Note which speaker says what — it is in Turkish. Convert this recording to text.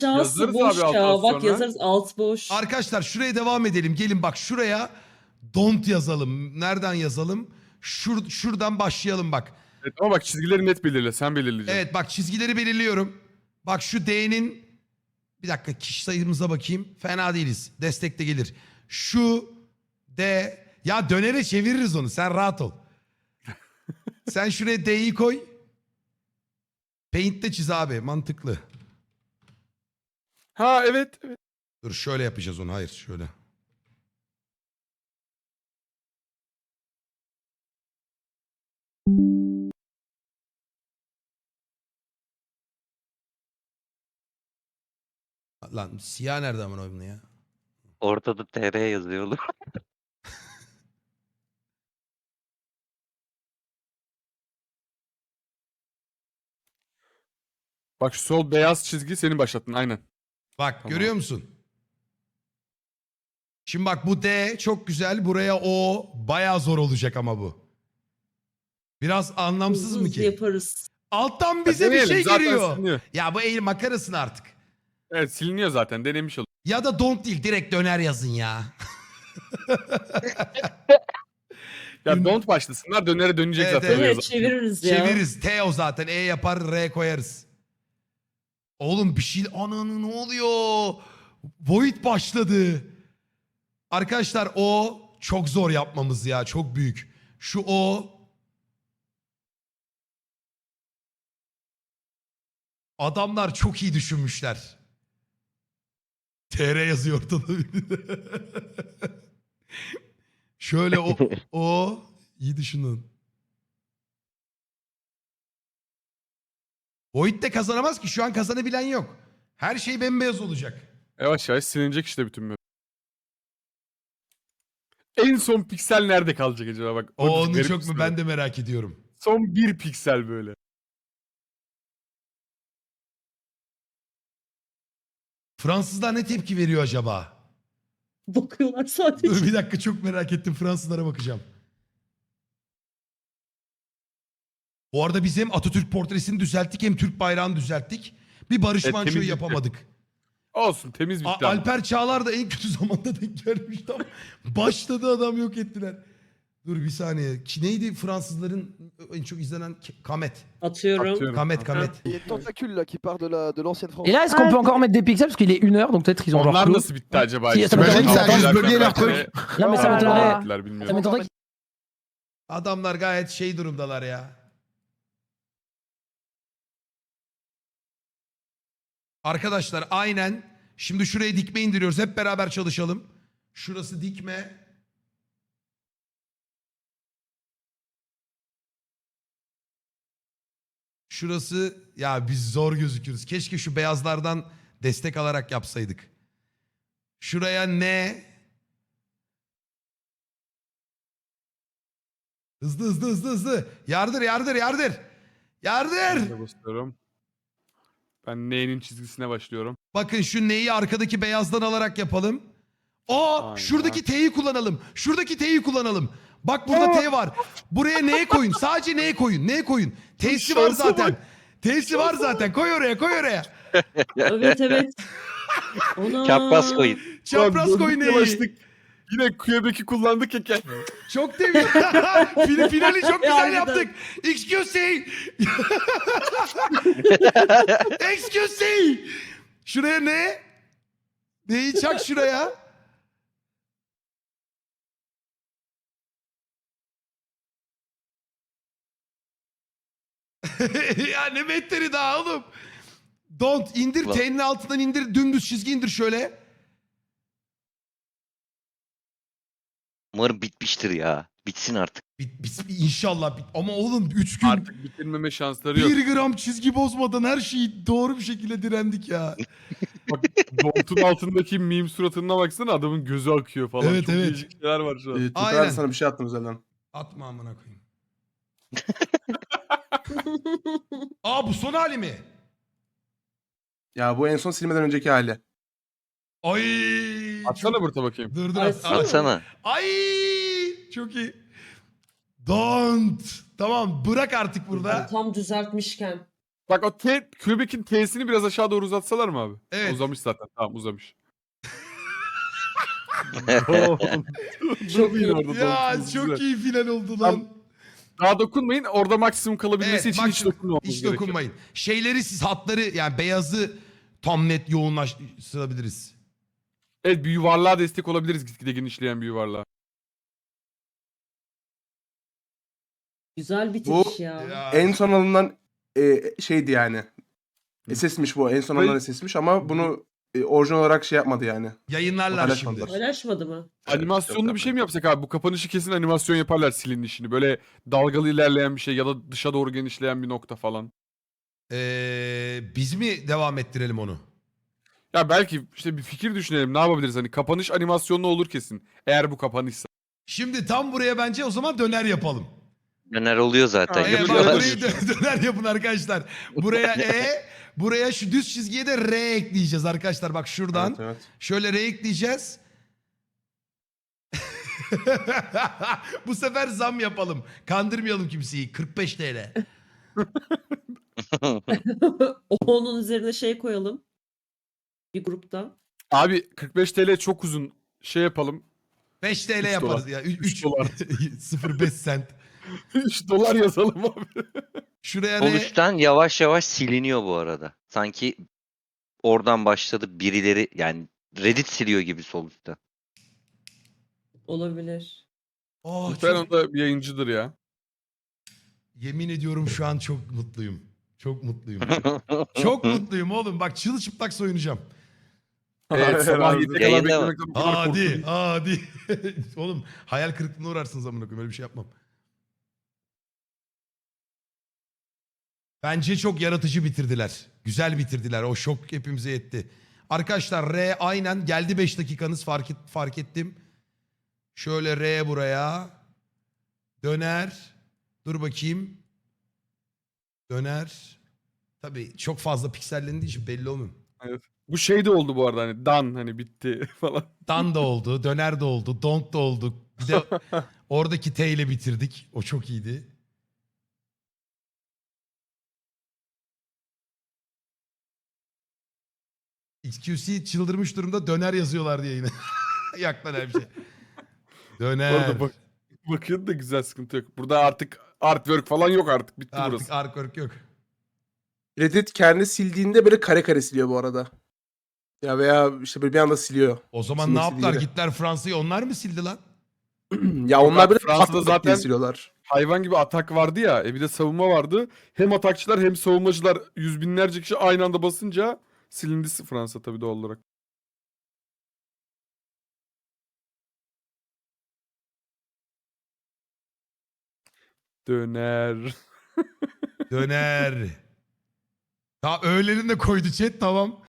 Speaker 1: Aşağısı
Speaker 2: Yazarız
Speaker 1: boş
Speaker 2: abi alttan
Speaker 1: ya. Bak
Speaker 2: sonra.
Speaker 1: yazarız alt boş.
Speaker 3: Arkadaşlar şuraya devam edelim. Gelin bak şuraya don't yazalım. Nereden yazalım? Şuradan başlayalım bak.
Speaker 2: Evet, ama bak çizgileri net belirle. Sen belirleyeceksin.
Speaker 3: Evet bak çizgileri belirliyorum. Bak şu D'nin bir dakika kişi sayımıza bakayım. Fena değiliz. Destek de gelir. Şu D ya dönere çeviririz onu. Sen rahat ol. Sen şuraya D'yi koy. Paint'te çiz abi. Mantıklı.
Speaker 2: Ha evet. Evet.
Speaker 3: Dur şöyle yapacağız onu. Hayır şöyle. Lan siyah nerede aman oyunu ya?
Speaker 4: Ortada TR yazıyor oğlum.
Speaker 2: Bak şu sol beyaz çizgi senin başlattın aynen.
Speaker 3: Bak
Speaker 2: Tamam.
Speaker 3: görüyor musun? Şimdi bak bu D çok güzel. Buraya O bayağı zor olacak ama bu. Biraz anlamsız
Speaker 1: Hızlı
Speaker 3: mı
Speaker 1: hızlı
Speaker 3: ki?
Speaker 1: yaparız.
Speaker 3: Alttan bize bir
Speaker 2: Deneyelim,
Speaker 3: şey
Speaker 2: zaten
Speaker 3: giriyor.
Speaker 2: siliniyor.
Speaker 3: Ya bu el makarasın artık.
Speaker 2: Evet siliniyor zaten denemiş olduk.
Speaker 3: Ya da don't değil direkt döner yazın ya.
Speaker 2: Ya don't başlasınlar dönere dönecek
Speaker 3: Evet,
Speaker 2: zaten.
Speaker 3: evet.
Speaker 2: o
Speaker 1: Evet
Speaker 2: yazar.
Speaker 1: çeviririz ya.
Speaker 3: Çeviririz. T o zaten. E yapar R koyarız. Oğlum bir şey... Ananı ne oluyor? Void başladı. Arkadaşlar o çok zor yapmamız ya. Çok büyük. Şu o... Adamlar çok iyi düşünmüşler. TR yazıyor ortada. Şöyle o iyi düşünün. Void de kazanamaz ki. Şu an kazanabilen yok. Her şey bembeyaz olacak.
Speaker 2: Yavaş yavaş silinecek işte bütün map. En son piksel nerede kalacak acaba bak.
Speaker 3: O onu
Speaker 2: garip
Speaker 3: çok
Speaker 2: bir
Speaker 3: mu
Speaker 2: soru.
Speaker 3: ben de merak ediyorum.
Speaker 2: Son bir piksel böyle.
Speaker 3: Fransızlar ne tepki veriyor acaba?
Speaker 1: Bakıyorlar sadece.
Speaker 3: Dur bir dakika çok merak ettim. Fransızlara bakacağım. Bu arada biz hem Atatürk portresini düzelttik hem Türk bayrağını düzelttik. Bir Barış
Speaker 2: Evet,
Speaker 3: Manço'yu
Speaker 2: temiz
Speaker 3: yapamadık.
Speaker 2: Olsun temiz bitti ama.
Speaker 3: Alper Çağlar da en kötü zamanda denk gelmişti ama başladı adam yok ettiler. Dur bir saniye. Neydi Fransızların en çok izlenen Kamet.
Speaker 1: Atıyorum.
Speaker 2: Atıyorum.
Speaker 3: Kamet Kamet.
Speaker 5: Il y a une tentacule là qui part de l'ancienne France.
Speaker 6: Et là, est-ce qu'on peut encore mettre des pixels parce qu'il est 1h, donc peut-être ils ont genre
Speaker 2: Onlar
Speaker 6: clos.
Speaker 2: nasıl bitti acaba?
Speaker 6: Si,
Speaker 2: İşte
Speaker 6: ça
Speaker 2: ben
Speaker 6: m'étonnerait
Speaker 2: de
Speaker 6: que ça
Speaker 2: çok
Speaker 6: juste
Speaker 2: güzel
Speaker 6: bugué leur
Speaker 2: karaktere-
Speaker 6: truc. Non mais ça
Speaker 2: Aa,
Speaker 6: m'étonnerait.
Speaker 2: ettiler,
Speaker 6: Ça
Speaker 2: bilmiyorum.
Speaker 6: m'étonnerait
Speaker 3: Adamlar gayet şey durumdalar ya. Arkadaşlar aynen. Şimdi şuraya dikme indiriyoruz. Hep beraber çalışalım. Şurası dikme. Şurası ya biz zor gözüküyoruz. Keşke şu beyazlardan destek alarak yapsaydık. Şuraya ne? Hızlı hızlı hızlı hızlı. Yardır yardır yardır. Yardır.
Speaker 2: Ben de basıyorum. Ben N'nin çizgisine başlıyorum.
Speaker 3: Bakın şu neyi arkadaki beyazdan alarak yapalım.
Speaker 2: Aynen.
Speaker 3: Şuradaki T'yi kullanalım. Şuradaki T'yi kullanalım. Bak burada T var. Buraya N koyun. Sadece N koyun. N koyun. T'si var
Speaker 2: Şansa
Speaker 3: zaten.
Speaker 2: bak.
Speaker 3: T'si var zaten. Koy oraya koy oraya.
Speaker 1: Evet evet. Ona.
Speaker 4: Çapraz koyun.
Speaker 3: Çapraz
Speaker 2: Ulan
Speaker 3: koy
Speaker 2: döndük
Speaker 3: N'yi.
Speaker 2: dolaştık. Yine Quebec'i kullandık ya.
Speaker 3: Çok temiz. Finali çok güzel
Speaker 1: Harbiden.
Speaker 3: yaptık. Excuse me. Excuse me. Şuraya ne? Neyi çak şuraya? Ya ne metteri daha oğlum. Don't indir
Speaker 4: Ulan.
Speaker 3: T'nin altından indir dümdüz çizgi indir şöyle.
Speaker 4: Umarım bitmiştir ya. Bitsin artık.
Speaker 3: İnşallah bit. Ama oğlum 3 gün
Speaker 2: Artık bitirmeme şansları yok.
Speaker 3: 1 gram çizgi bozmadan her şeyi doğru bir şekilde direndik ya.
Speaker 2: Bak Bolt'un altındaki meme suratına baksana adamın gözü akıyor falan.
Speaker 3: Evet,
Speaker 2: Çok
Speaker 3: evet.
Speaker 2: değişik şeyler var şu an.
Speaker 7: Tutar
Speaker 3: Aynen.
Speaker 7: sana bir şey attım özelden.
Speaker 3: Atma amına koyayım. Aa bu son hali mi?
Speaker 7: Ya bu en son silmeden önceki hali.
Speaker 3: Ay.
Speaker 2: Atsana burada bakayım.
Speaker 3: Dur dur
Speaker 1: Ay,
Speaker 3: at.
Speaker 4: Atsana.
Speaker 3: Ay çok iyi. Don't. Tamam bırak artık burada.
Speaker 1: Tam düzeltmişken.
Speaker 2: Bak o Quebec'in T'sini biraz aşağı doğru uzatsalar mı abi?
Speaker 3: Evet.
Speaker 2: Uzamış zaten. Tamam uzamış. Don't.
Speaker 1: Çok
Speaker 2: Durmayın
Speaker 1: iyi.
Speaker 2: orada.
Speaker 3: Ya
Speaker 2: don't.
Speaker 3: çok
Speaker 2: Güzel.
Speaker 3: iyi final oldu lan.
Speaker 2: Daha dokunmayın. Orada maksimum kalabilmesi
Speaker 3: Evet,
Speaker 2: için hiç
Speaker 3: maksimum.
Speaker 2: dokunmamamız
Speaker 3: Hiç
Speaker 2: gerekiyor.
Speaker 3: dokunmayın. Şeyleri siz hatları yani beyazı tam net yoğunlaştırabiliriz.
Speaker 2: Evet, bir yuvarlığa destek olabiliriz gitgide genişleyen bir yuvarlığa.
Speaker 1: Güzel bitiriş
Speaker 7: Bu
Speaker 1: ya.
Speaker 3: Ya.
Speaker 7: en son alınan şeydi yani. SS'miş bu. En son alınan SS'miş ama bunu orijinal olarak şey yapmadı yani.
Speaker 3: Yayınlarlar şimdi.
Speaker 7: Paylaşmadılar.
Speaker 1: Paylaşmadı mı?
Speaker 2: Animasyonlu bir şey mi yapsak abi? Bu kapanışı kesin animasyon yaparlar silinişini. Böyle dalgalı ilerleyen bir şey ya da dışa doğru genişleyen bir nokta falan.
Speaker 3: Biz mi devam ettirelim onu?
Speaker 2: Ya belki işte bir fikir düşünelim. Ne yapabiliriz? Hani kapanış animasyonlu olur kesin. Eğer bu kapanışsa.
Speaker 3: Şimdi tam buraya bence o zaman döner yapalım.
Speaker 4: Döner oluyor zaten.
Speaker 2: Ha,
Speaker 3: Bak
Speaker 4: Yapıyorlar.
Speaker 3: burayı döner yapın arkadaşlar. Buraya buraya şu düz çizgiye de R ekleyeceğiz arkadaşlar. Bak şuradan
Speaker 7: Evet, evet.
Speaker 3: şöyle R ekleyeceğiz. Bu sefer zam yapalım. Kandırmayalım kimseyi. 45 TL.
Speaker 1: Onun üzerine şey koyalım. Bir grupta.
Speaker 2: Abi 45 TL çok uzun. Şey yapalım.
Speaker 3: 5 TL
Speaker 2: 3
Speaker 3: yaparız
Speaker 2: dolar.
Speaker 3: ya.
Speaker 2: 3
Speaker 3: 3
Speaker 2: dolar.
Speaker 3: 0,5 sent.
Speaker 2: 3 dolar yazalım abi.
Speaker 3: Şuraya
Speaker 4: Sol
Speaker 3: R.
Speaker 4: üstten yavaş yavaş siliniyor bu arada. Sanki oradan başladı birileri, yani Reddit siliyor gibi sol üstten.
Speaker 1: Olabilir.
Speaker 3: Oh,
Speaker 2: Muhtemelen
Speaker 3: çok,
Speaker 2: o da bir yayıncıdır ya.
Speaker 3: yemin ediyorum şu an çok mutluyum. Çok mutluyum. Çok mutluyum oğlum. Bak çırılçıplak soyunacağım.
Speaker 2: Evet, sabah
Speaker 7: Herhalde.
Speaker 2: 7'ye kadar
Speaker 4: Yayında mı?
Speaker 2: beklemekten o kadar
Speaker 3: Hadi,
Speaker 2: korktum.
Speaker 3: hadi. Oğlum hayal kırıklığına uğrarsınız amına koyayım. Öyle bir şey yapmam. Bence çok yaratıcı bitirdiler. Güzel bitirdiler. O şok hepimize yetti. Arkadaşlar R aynen geldi 5 dakikanız fark ettim. Şöyle R buraya. Döner. Dur bakayım. Döner. Tabii çok fazla piksellendiği için belli olmuyor.
Speaker 2: Bu şey de oldu bu arada hani done hani bitti falan.
Speaker 3: Dan da oldu, döner de oldu, don't da oldu. Bir de oradaki T ile bitirdik. O çok iyiydi. XQC çıldırmış durumda döner yazıyorlar diye yine. Yak lan her şey.
Speaker 2: Bu
Speaker 3: Döner.
Speaker 2: arada bakın da güzel, sıkıntı yok. Burada artık artwork falan yok, artık bitti
Speaker 3: Artık
Speaker 2: burası.
Speaker 3: artwork yok.
Speaker 7: Reddit kendi sildiğinde böyle kare kare siliyor bu arada. Ya veya işte böyle bir anda siliyor.
Speaker 3: O zaman
Speaker 7: Silmek
Speaker 3: ne yaptılar?
Speaker 7: istediği
Speaker 3: Gittiler Fransa'yı onlar mı sildi lan?
Speaker 7: Ya onlar böyle
Speaker 2: Fransa'da
Speaker 7: Fransa'da
Speaker 2: zaten-
Speaker 7: zaten siliyorlar.
Speaker 2: Hayvan gibi atak vardı ya, bir de savunma vardı. Hem atakçılar hem savunmacılar yüz binlerce kişi aynı anda basınca silindi Fransa tabii doğal olarak. Döner.
Speaker 3: Döner. Ta öğlerini de koydu chat tamam.